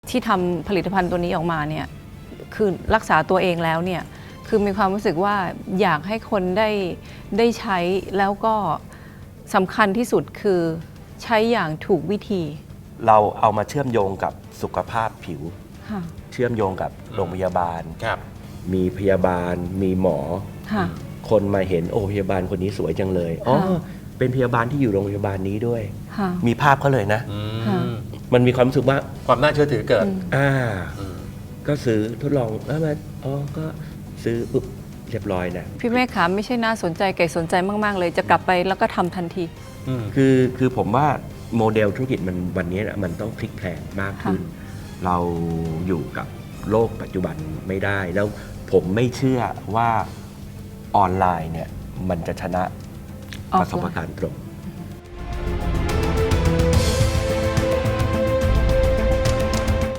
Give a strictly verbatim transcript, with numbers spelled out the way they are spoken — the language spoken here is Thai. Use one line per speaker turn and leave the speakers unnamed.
ที่ทำผลิตภัณฑ์ตัวนี้ออกมาเนี่ยคือรักษาตัวเองแล้วเนี่ยคือมีความรู้สึกว่าอยากให้คนได้ได้ใช้แล้วก็สำคัญที่สุดคือใช้อย่างถูกวิธี
เราเอามาเชื่อมโยงกับสุขภาพผิว
ค่ะ
เชื่อมโยงกับโรงพยาบาล
ครับ
มีพยาบาลมีหมอ
ค่ะ
คนมาเห็นโอ้พยาบาลคนนี้สวยจังเลยอ๋อ
ค่ะ
เป็นพยาบาลที่อยู่โรงพยาบาลนี้ด้วย
ค่ะ
มีภาพเขาเลยนะ
อื
ค่ะ
ม
มันมีความรู้สึกว่า
ความน่าเชื่อถือเกิด
อ่า
อืม
ก็ซื้อทดลองแล้วมาอ๋อก็ซื้อปุ๊บเรียบร้อยนะ
พี่เมฆขาไม่ใช่น่าสนใจไก่สนใจมาก ๆ เลยจะกลับไปแล้วก็ทำทันที
อืม
คือคือผมว่าโมเดลธุรกิจมันวันนี้นะมันต้องพลิกแพลงมากขึ้น เราอยู่กับโลกปัจจุบันไม่ได้ แล้วผมไม่เชื่อว่าออนไลน์เนี่ยมันจะชนะ
ออ
ป
ฟไลน์
ระสบการณ์ตรง